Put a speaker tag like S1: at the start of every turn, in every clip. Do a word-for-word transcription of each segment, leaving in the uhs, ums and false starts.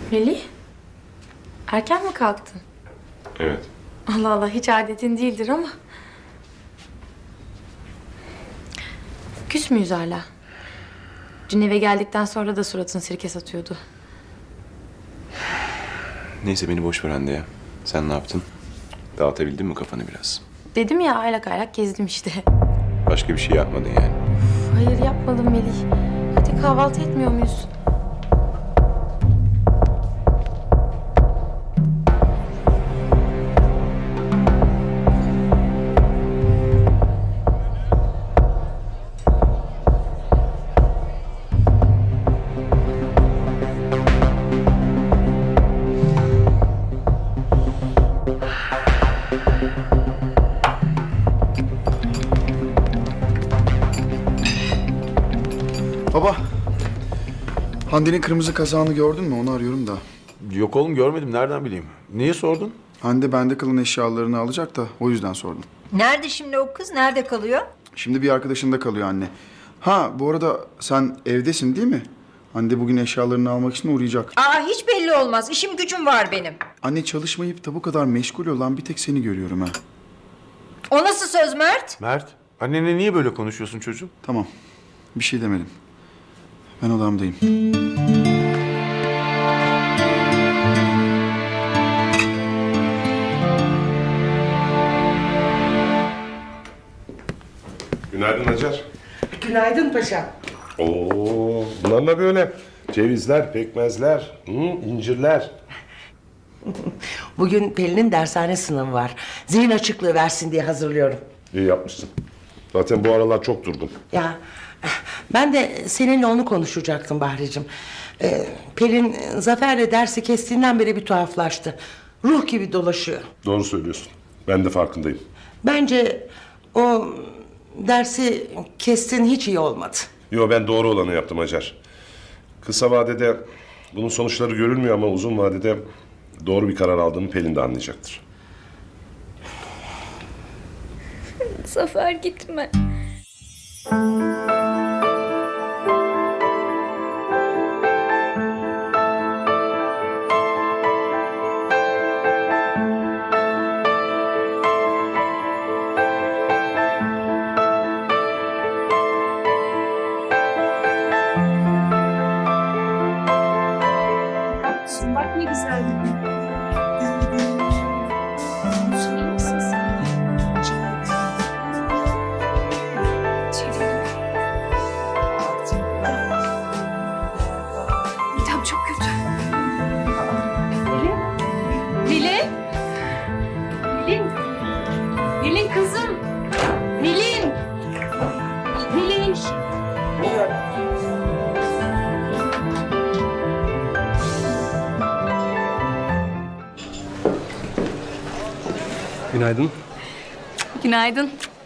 S1: Melih, erken mi kalktın?
S2: Evet.
S1: Allah Allah, hiç adetin değildir ama. Küs müyüz hala? Dün eve geldikten sonra da suratın sirke satıyordu.
S2: Neyse beni boş ver Hande ya. Sen ne yaptın? Dağıtabildin mi kafanı biraz?
S1: Dedim ya, aylak aylak gezdim işte.
S2: Başka bir şey yapmadın yani.
S1: Hayır, yapmadım Melih. Hadi kahvaltı etmiyor muyuz?
S3: Baba, Hande'nin kırmızı kazağını gördün mü? Onu arıyorum da.
S4: Yok oğlum görmedim. Nereden bileyim? Niye sordun?
S3: Hande bende kalan eşyalarını alacak da o yüzden sordum.
S5: Nerede şimdi o kız? Nerede kalıyor?
S3: Şimdi bir arkadaşında kalıyor anne. Ha bu arada sen evdesin değil mi? Hande bugün eşyalarını almak için uğrayacak.
S5: Aa hiç belli olmaz. İşim gücüm var benim.
S3: Anne çalışmayıp da bu kadar meşgul olan bir tek seni görüyorum ha.
S5: O nasıl söz Mert?
S4: Mert, annenle niye böyle konuşuyorsun çocuğum?
S3: Tamam, bir şey demedim. Ben odamdayım.
S2: Günaydın Hacer.
S6: Günaydın paşam.
S7: Oo, bunlar ne böyle? Cevizler, pekmezler, hı, incirler.
S6: Bugün Pelin'in dershane sınavı var. Zihin açıklığı versin diye hazırlıyorum.
S7: İyi yapmışsın. Zaten bu aralar çok durdum.
S6: Ya ben de seninle onu konuşacaktım Bahricim. Ee, Pelin Zafer'le dersi kestiğinden beri bir tuhaflaştı. Ruh gibi dolaşıyor.
S7: Doğru söylüyorsun. Ben de farkındayım.
S6: Bence o dersi kestin hiç iyi olmadı.
S7: Yo ben doğru olanı yaptım Hacer. Kısa vadede bunun sonuçları görülmüyor ama uzun vadede doğru bir karar aldığımı Pelin de anlayacaktır.
S1: Zafer gitme.
S8: Bak ne güzel. Midem çok kötü. Nilin? Nilin? Nilin kızım. Nilin. Nilin.
S9: Günaydın.
S1: Günaydın.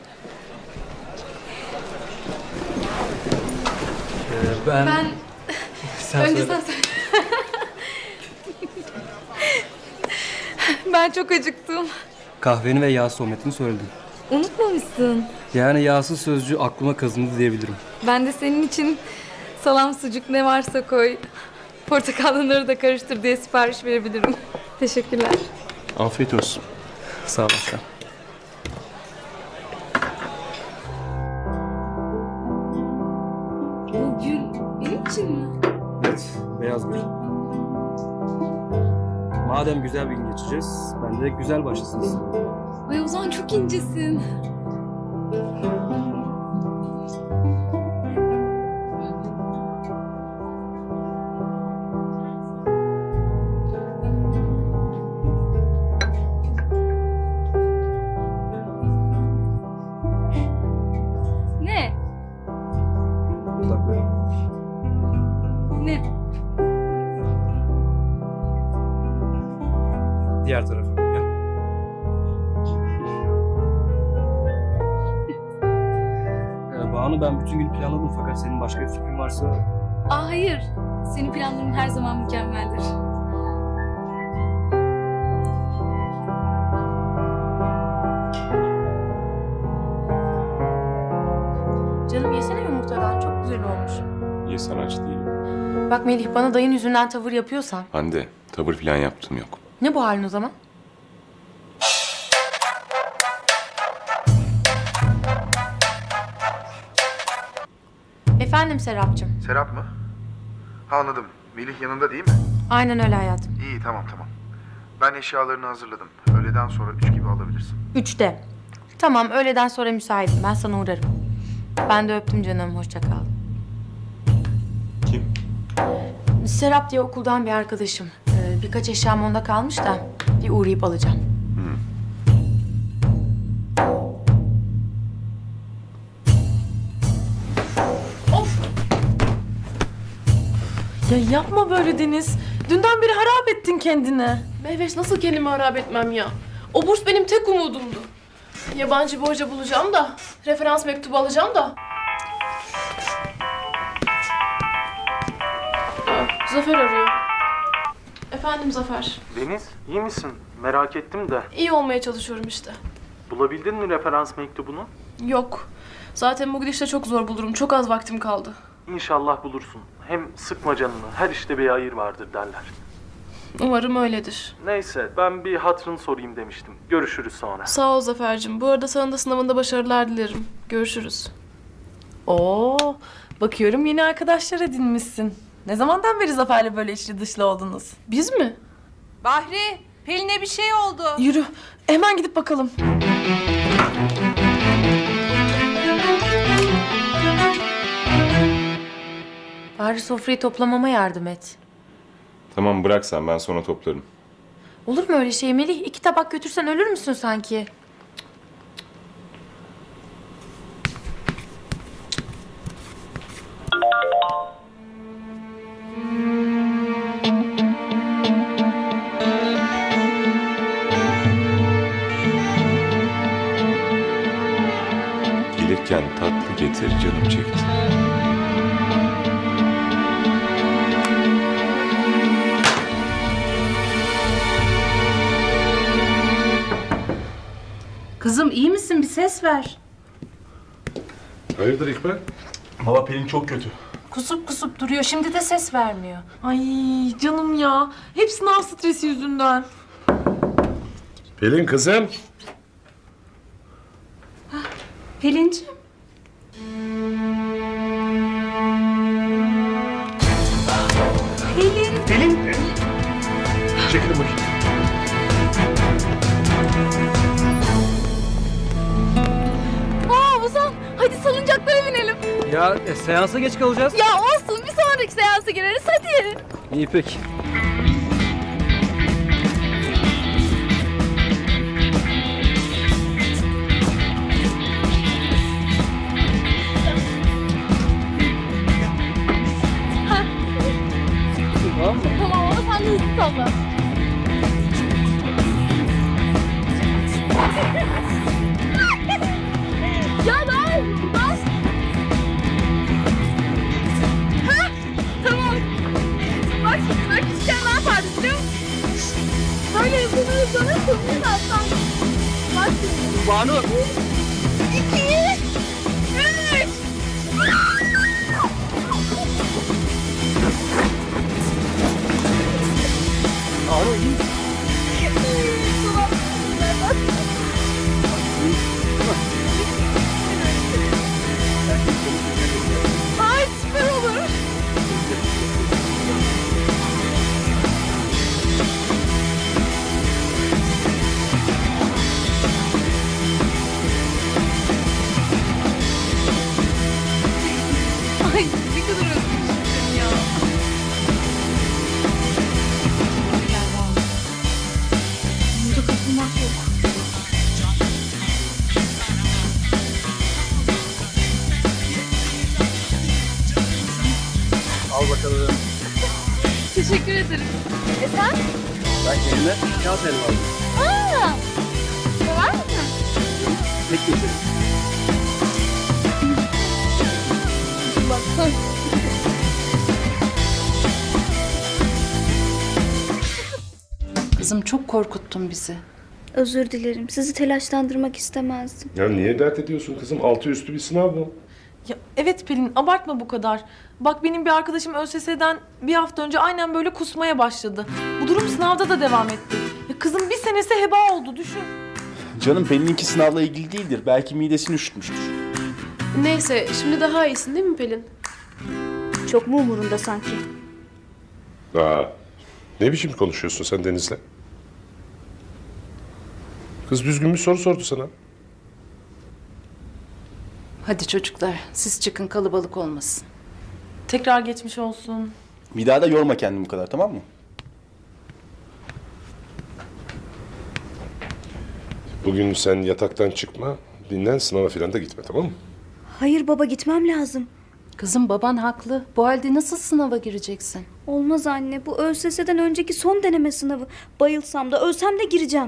S9: Ee, ben...
S1: Ben...
S9: Sen
S1: Önce
S9: söyle.
S1: sen söyle. Ben çok acıktım.
S9: Kahveni ve yağ sohbetini söyledim.
S1: Unutmamışsın.
S9: Yani yağsız sözcüğü aklıma kazındı diyebilirim.
S1: Ben de senin için salam, sucuk ne varsa koy. Portakalları da karıştır diye sipariş verebilirim. Teşekkürler.
S2: Afiyet olsun.
S9: Sağ ol aşkım.
S1: Bu gül benim için mi?
S9: Evet, beyaz gül. Madem güzel bir gün geçeceğiz, ben de güzel başlasın istedim.
S1: Ay Ozan çok incesin. Ne?
S9: Dudaklarım.
S1: Ne?
S9: Diğer tarafı. Gel. Ee, Banu ben bütün gün planladım fakat senin başka bir fikrin varsa...
S1: Aa hayır. Senin planların her zaman mükemmeldir. Canım yesene yumurtadan. Çok güzel olmuş.
S2: Ye, sanatçı değilim.
S1: Bak Melih, bana dayın yüzünden tavır yapıyorsan.
S2: Hande, tavır falan yaptım yok.
S1: Ne bu halin o zaman? Efendim Serapcığım.
S3: Serap mı? Ha, anladım. Melih yanında değil mi?
S1: Aynen öyle hayatım.
S3: İyi, tamam tamam. Ben eşyalarını hazırladım. Öğleden sonra üç gibi alabilirsin.
S1: Üçte. Tamam, öğleden sonra müsaitim. Ben sana uğrarım. Ben de öptüm canım. Hoşça kal.
S2: Kim?
S1: Serap diye okuldan bir arkadaşım. Ee, birkaç eşyam onda kalmış da bir uğrayıp alacağım.
S10: Ya yapma böyle Deniz. Dünden beri harap ettin kendini.
S8: Mehveş nasıl kendimi harap etmem ya? O burs benim tek umudumdu. Yabancı bir hoca bulacağım da, referans mektubu alacağım da. Aa, Zafer arıyor. Efendim Zafer.
S9: Deniz, iyi misin? Merak ettim de.
S8: İyi olmaya çalışıyorum işte.
S9: Bulabildin mi referans mektubunu?
S8: Yok. Zaten bu gidişle çok zor bulurum. Çok az vaktim kaldı.
S9: İnşallah bulursun. Hem sıkma canını. Her işte bir hayır vardır derler.
S8: Umarım öyledir.
S9: Neyse, ben bir hatırını sorayım demiştim. Görüşürüz sonra.
S8: Sağ ol Zafer'cim. Bu arada sana da sınavında başarılar dilerim. Görüşürüz.
S10: Oo, bakıyorum yeni arkadaşlar edinmişsin. Ne zamandan beri Zafer'le böyle içli dışlı oldunuz?
S8: Biz mi?
S5: Bahri, Pelin'e bir şey oldu.
S10: Yürü, hemen gidip bakalım.
S1: Bari sofrayı toplamama yardım et.
S2: Tamam, bırak sen, ben sonra toplarım.
S1: Olur mu öyle şey Melih? İki tabak götürsen ölür müsün sanki?
S2: Gelirken tatlı getir, canım çekti.
S5: Kızım iyi misin? Bir ses ver.
S7: Hayırdır İkbal?
S4: Valla Pelin çok kötü.
S5: Kusup kusup duruyor. Şimdi de ses vermiyor.
S10: Ay canım ya, hep sınav stresi yüzünden.
S7: Pelin kızım.
S5: Pelinciğim.
S7: Çekilin bakayım.
S1: Aa Ozan, hadi salıncaklara binelim.
S9: Ya e, seansa geç kalacağız.
S1: Ya olsun, bir sonraki seansa gireriz hadi.
S9: İyi peki. Tamam mı?
S1: Tamam, onu sen de hızlı salla. Ya daha bas. Ha, tamam. Bak şimdi bak küçükken ne yapardı biliyor musun? Böyle hızlanır hızlanır hızlı atsan. Bak şimdi.
S9: Banu.
S1: İki, üç.
S9: Banu iyi misin?
S1: Ay süper olur. Ay ne kadar özlemişim ya. Burada kapılmak yok.
S9: Al bakalım.
S1: Teşekkür ederim. E sen?
S9: Ben kendime kağıt elma aldım.
S1: Aa! Sever misin?
S9: Tek geçelim.
S1: Bak.
S5: Kızım çok korkuttun bizi.
S11: Özür dilerim. Sizi telaşlandırmak istemezdim.
S7: Ya niye dert ediyorsun kızım? Altı üstü bir sınav bu.
S10: Ya evet Pelin, abartma bu kadar. Bak benim bir arkadaşım ÖSS'den bir hafta önce aynen böyle kusmaya başladı. Bu durum sınavda da devam etti. Ya kızın bir senesi heba oldu, düşün.
S4: Canım Pelin'inki sınavla ilgili değildir. Belki midesini üşütmüştür.
S8: Neyse şimdi daha iyisin değil mi Pelin?
S1: Çok mu umurunda sanki?
S7: Aa, ne biçim konuşuyorsun sen Deniz'le? Kız düzgün bir soru sordu sana.
S5: Hadi çocuklar siz çıkın, kalabalık olmasın.
S10: Tekrar geçmiş olsun.
S4: Bir daha da yorma kendini bu kadar, tamam mı?
S7: Bugün sen yataktan çıkma, dinlen, sınava falan da gitme, tamam mı?
S1: Hayır baba, gitmem lazım.
S5: Kızım baban haklı. Bu halde nasıl sınava gireceksin?
S1: Olmaz anne, bu ÖSS'den önceki son deneme sınavı. Bayılsam da ölsem de gireceğim.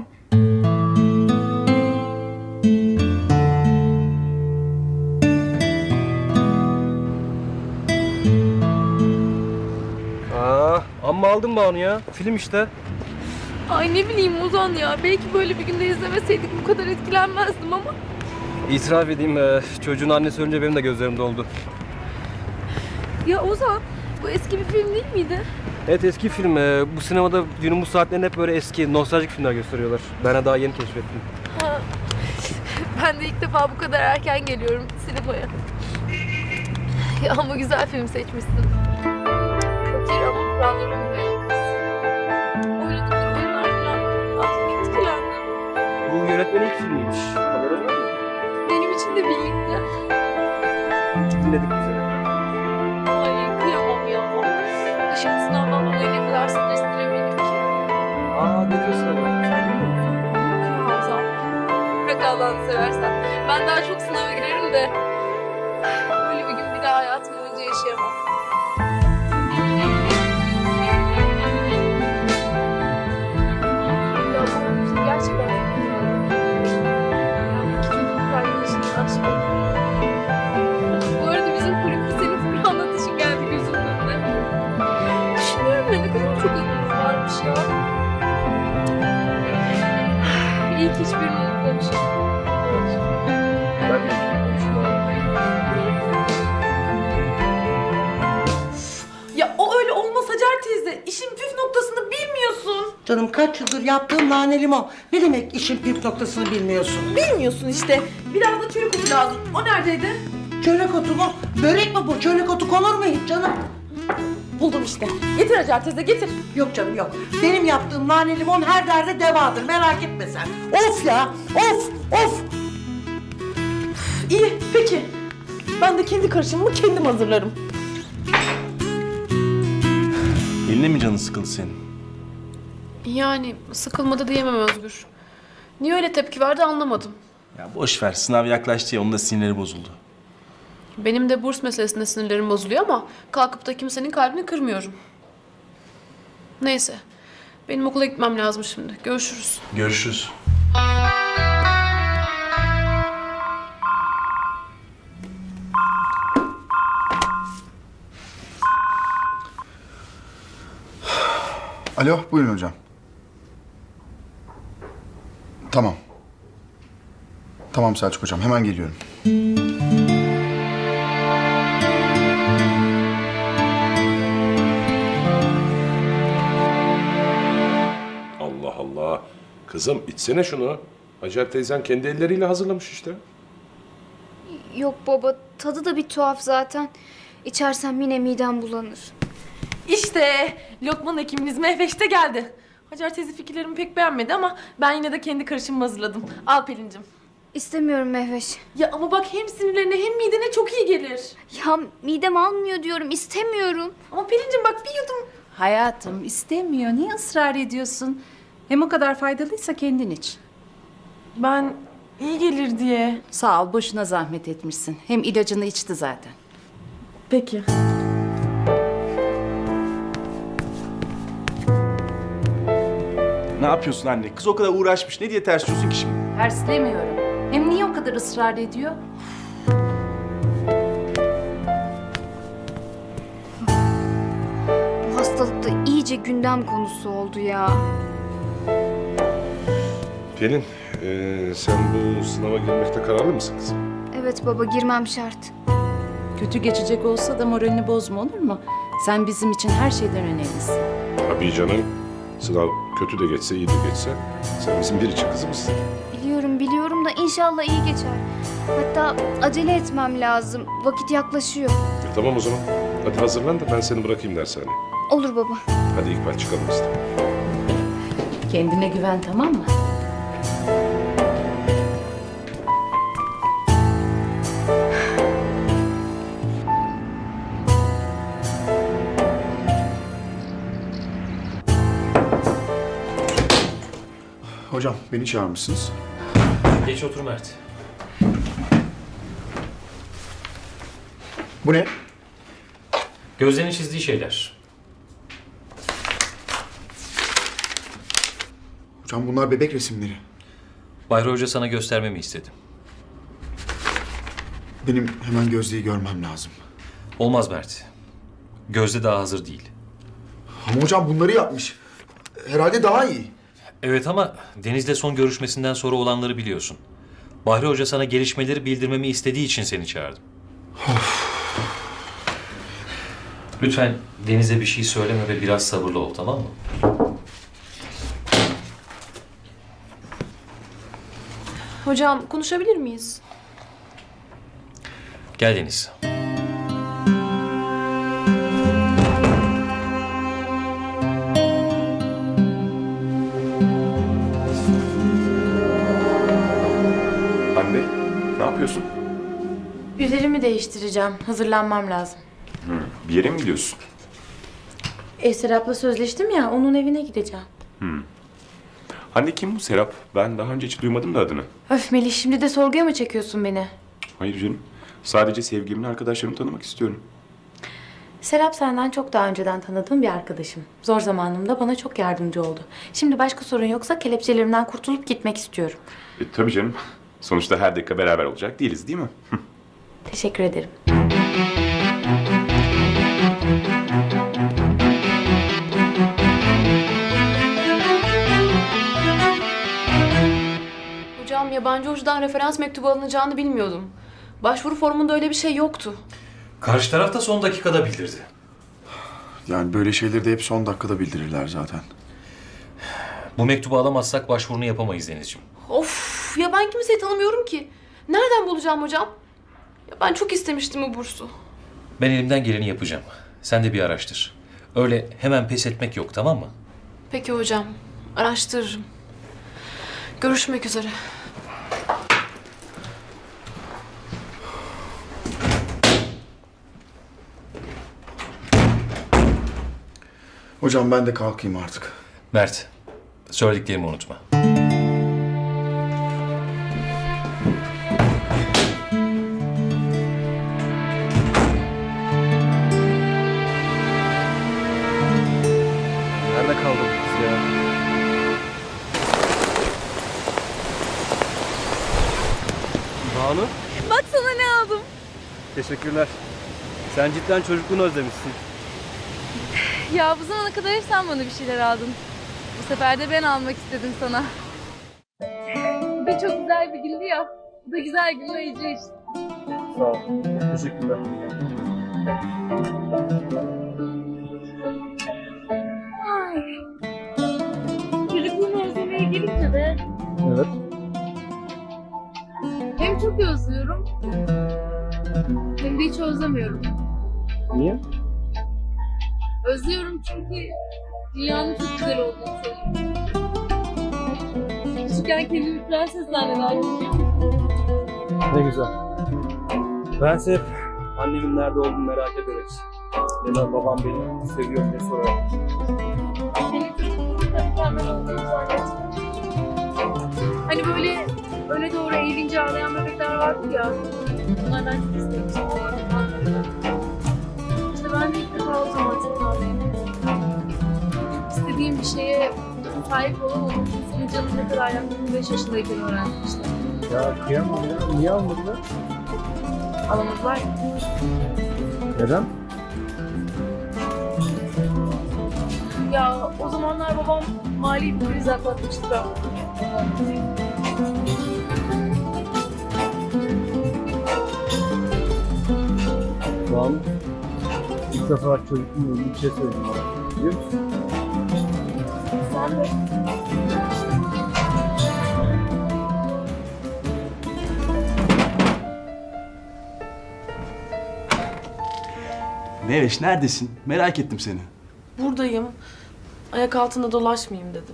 S9: Aa, amma aldın Banu ya. Film işte.
S8: Ay ne bileyim Ozan ya. Belki böyle bir günde izlemeseydik bu kadar etkilenmezdim ama.
S9: İtiraf edeyim, e, çocuğun annesi önce benim de gözlerim doldu.
S8: Ya Ozan, bu eski bir film değil miydi?
S9: Evet, eski film. E, bu sinemada günümüz saatlerinde hep böyle eski, nostaljik filmler gösteriyorlar. Ben de daha yeni keşfettim.
S8: Ha. Ben de ilk defa bu kadar erken geliyorum sinemaya. Ya ama güzel film seçmişsin. Fakir ama kuralları uymayan kız. Oynadıkları oyunlar falan. Artık etkilendim.
S9: Bu yönetmenin ilk filmiymiş. Haberin var mı?
S8: Benim için de bir ilkti.
S9: Dinledik biz de.
S8: Ay kıyamam ya. Şimdi sınavdan dolayı ne kadar stresli eminim ki.
S9: Aa, ne diyorsun ama? Sen bilmiyor musun?
S8: Ozan, bırak Allah'ını seversen. Ben daha çok sınava girerim de böyle bir gün bir daha hayatım boyunca yaşayamam. Ya bu gerçekten iki çocuk arkadaşının aşkı. Bu arada bizim kulüpte senin fıkra anlatışın geldi gözümün önüne. Düşünüyorum da ne kadar çok anımız varmış ya. İyi ki hiçbirini unutmamışım.
S9: Ben de hiç bilmiyorum.
S10: Ya o öyle olmaz Hacer teyze. İşin püf noktasını bilmiyorsun.
S6: Canım kaç yıldır yaptığım nane limon. Ne demek işin püf noktasını bilmiyorsun?
S10: Bilmiyorsun işte. Biraz da çörek otu lazım. O neredeydi?
S6: Çörek otu mu? Börek mi bu? Çörek otu konur mu hiç canım?
S10: Buldum işte. Getir Hacer teyze, getir.
S6: Yok canım yok. Benim yaptığım nane limon her derde devadır. Merak etme sen. Of ya! Of! Of!
S10: İyi, peki. Ben de kendi karışımımı kendim hazırlarım.
S4: Eline mi canın sıkıldı senin?
S8: Yani sıkılmadı diyemem Özgür. Niye öyle tepki verdi anlamadım.
S4: Ya boş ver, sınav yaklaştı ya, onun da sinirleri bozuldu.
S8: Benim de burs meselesinde sinirlerim bozuluyor ama kalkıp da kimsenin kalbini kırmıyorum. Neyse. Benim okula gitmem lazım şimdi. Görüşürüz.
S4: Görüşürüz.
S3: Alo, buyurun hocam. Tamam. Tamam Selçuk hocam, hemen geliyorum.
S7: Allah Allah. Kızım içsene şunu. Hacer teyzen kendi elleriyle hazırlamış işte.
S1: Yok baba, tadı da bir tuhaf zaten. İçersem yine midem bulanır.
S10: İşte Lokman hekiminiz Mehveş de geldi. Hacer teyze fikirlerimi pek beğenmedi ama ben yine de kendi karışımımı hazırladım. Al Pelin'cim.
S1: İstemiyorum Mehveş.
S10: Ya ama bak hem sinirlerine hem midene çok iyi gelir.
S1: Ya midem almıyor diyorum, istemiyorum.
S10: Ama Pelin'cim bak bir yudum.
S5: Hayatım istemiyor. Niye ısrar ediyorsun? Hem o kadar faydalıysa kendin iç.
S10: Ben iyi gelir diye.
S5: Sağ ol, boşuna zahmet etmişsin. Hem ilacını içti zaten.
S10: Peki.
S4: Ne yapıyorsun anne? Kız o kadar uğraşmış. Ne diye ters diyorsun ki şimdi?
S5: Terslemiyorum. Hem niye o kadar ısrar ediyor?
S1: Bu hastalık da iyice gündem konusu oldu ya.
S7: Pelin, eee, sen bu sınava girmekte kararlı mısın kızım?
S1: Evet baba, girmem şart.
S5: Kötü geçecek olsa da moralini bozma, olur mu? Sen bizim için her şeyden önemlisin.
S7: Tabii canım. Sınav kötü de geçse, iyi de geçse sen bizim biricik kızımızsın.
S1: Biliyorum biliyorum da inşallah iyi geçer. Hatta acele etmem lazım. Vakit yaklaşıyor.
S7: E, tamam o zaman. Hadi hazırlan da ben seni bırakayım dershaneye.
S1: Olur baba.
S7: Hadi İkbal çıkalım biz de.
S5: Kendine güven, tamam mı?
S3: Hocam beni çağırmışsınız.
S11: Geç otur Mert.
S3: Bu ne?
S11: Gözlerin çizdiği şeyler.
S3: Hocam bunlar bebek resimleri.
S11: Bahri Hoca sana göstermemi istedi.
S3: Benim hemen Gözde'yi görmem lazım.
S11: Olmaz Mert. Gözde daha hazır değil.
S3: Ama hocam bunları yapmış. Herhalde daha iyi.
S11: Evet ama Deniz'le son görüşmesinden sonra olanları biliyorsun. Bahri Hoca sana gelişmeleri bildirmemi istediği için seni çağırdım. Lütfen Deniz'e bir şey söyleme ve biraz sabırlı ol, tamam mı?
S10: Hocam konuşabilir miyiz?
S11: Gel Deniz.
S2: Hande, ne yapıyorsun?
S10: Üzerimi değiştireceğim. Hazırlanmam lazım.
S2: Bir yere mi gidiyorsun?
S10: E, Serap'la sözleştim ya, onun evine gideceğim.
S2: Hande kim bu Serap? Ben daha önce hiç duymadım da adını.
S10: Öf Melih, şimdi de sorguya mı çekiyorsun beni?
S2: Hayır canım. Sadece sevgilimin arkadaşlarımı tanımak istiyorum.
S10: Serap senden çok daha önceden tanıdığım bir arkadaşım. Zor zamanımda bana çok yardımcı oldu. Şimdi başka sorun yoksa kelepçelerimden kurtulup gitmek istiyorum.
S2: E, tabii canım. Sonuçta her dakika beraber olacak değiliz değil mi?
S10: Teşekkür ederim.
S12: Hocam yabancı hocadan referans mektubu alınacağını bilmiyordum. Başvuru formunda öyle bir şey yoktu.
S11: Karşı taraf da son dakikada bildirdi.
S3: Yani böyle şeyleri de hep son dakikada bildirirler zaten.
S11: Bu mektubu alamazsak başvurunu yapamayız Denizciğim.
S12: Of ya ben kimseyi tanımıyorum ki. Nereden bulacağım hocam? Ya ben çok istemiştim bu bursu.
S11: Ben elimden geleni yapacağım. Sen de bir araştır. Öyle hemen pes etmek yok, tamam mı?
S12: Peki hocam. Araştırırım. Görüşmek üzere.
S3: Hocam ben de kalkayım artık.
S11: Mert, söylediklerimi unutma.
S9: Nerede kaldı bu kız ya? Banu,
S1: Bak sana ne aldım.
S9: teşekkürler. Sen cidden çocukluğunu özlemişsin.
S1: Ya bu zamana kadar hep sen bana bir şeyler aldın. Bu sefer de ben almak istedim sana. Bu da çok güzel bir güldü ya. Bu da güzel gülmeyici işte.
S9: Sağ ol. Teşekkürler.
S1: Ay. Çocukluğumu özlemeye gelince de
S9: Evet.
S1: hem çok özlüyorum hem de hiç özlemiyorum.
S9: Niye?
S1: Özlüyorum çünkü dünyanın çok güzel olduğunu söylüyorum. Küçükken kendimi prenses zannederdim.
S9: Ne güzel. Ben hep annemin nerede olduğunu merak ederek ya da babam beni seviyor diye sorarak.
S1: Senin çocukluğunda mükemmel olduğunu zannettim. Hani böyle öne doğru eğilince ağlayan bebekler vardı ya. Bunlardan çok istemiştim. İşte ben de ilk defa o zaman çok ağlayayım. İstediğim bir şeye sahip olamam. Senin canın ne kadar yaktığını beş yaşındayken öğrendim işte.
S9: Ya kıyamam ya. Niye almadılar?
S1: Alamadılar.
S9: Neden?
S1: Ya o zamanlar babam mali bir kriz atlatmıştı da.
S9: Şu an ilk defa çocukluğumla ilgili bir şey söyledim bana. Biliyor musun?
S1: Sen de.
S4: Meveş neredesin? Merak ettim seni.
S10: Buradayım. Ayak altında dolaşmayayım dedim.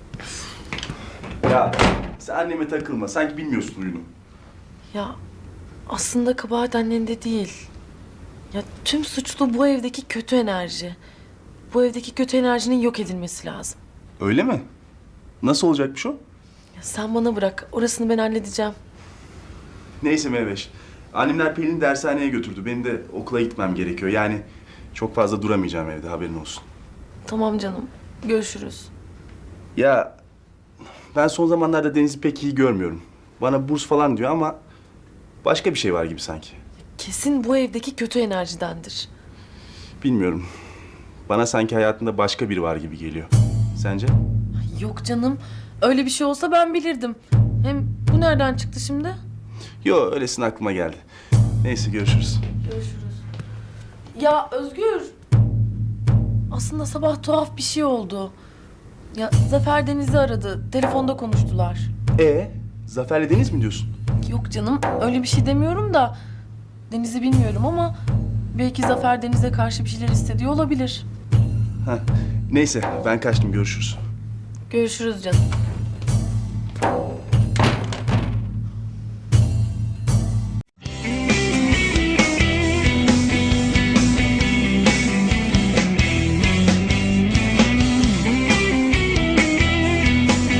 S4: Ya sen anneme takılma. Sanki bilmiyorsun huyunu.
S10: Ya aslında kabahat annende değil. Ya tüm suçlu bu evdeki kötü enerji. Bu evdeki kötü enerjinin yok edilmesi lazım.
S4: Öyle mi? Nasıl olacakmış o?
S10: Ya sen bana bırak. Orasını ben halledeceğim.
S4: Neyse Meveş. Annemler Pelin'i dershaneye götürdü. Benim de okula gitmem gerekiyor. Yani çok fazla duramayacağım evde, haberin olsun.
S10: Tamam canım. Görüşürüz.
S4: Ya ben son zamanlarda Deniz'i pek iyi görmüyorum. Bana burs falan diyor ama başka bir şey var gibi sanki.
S10: Kesin bu evdeki kötü enerjidendir.
S4: Bilmiyorum. Bana sanki hayatında başka biri var gibi geliyor. Sence?
S10: Yok canım. Öyle bir şey olsa ben bilirdim. Hem bu nereden çıktı şimdi?
S4: Yo, öylesine aklıma geldi. Neyse, görüşürüz.
S10: Görüşürüz. Ya Özgür. Aslında sabah tuhaf bir şey oldu. Ya Zafer Deniz'i aradı. Telefonda konuştular.
S4: Ee, Zafer'le Deniz mi diyorsun?
S10: Yok canım öyle bir şey demiyorum da. Deniz'i bilmiyorum ama belki Zafer Deniz'e karşı bir şeyler hissediyor olabilir.
S4: Heh, neyse, ben kaçtım, görüşürüz.
S10: Görüşürüz canım.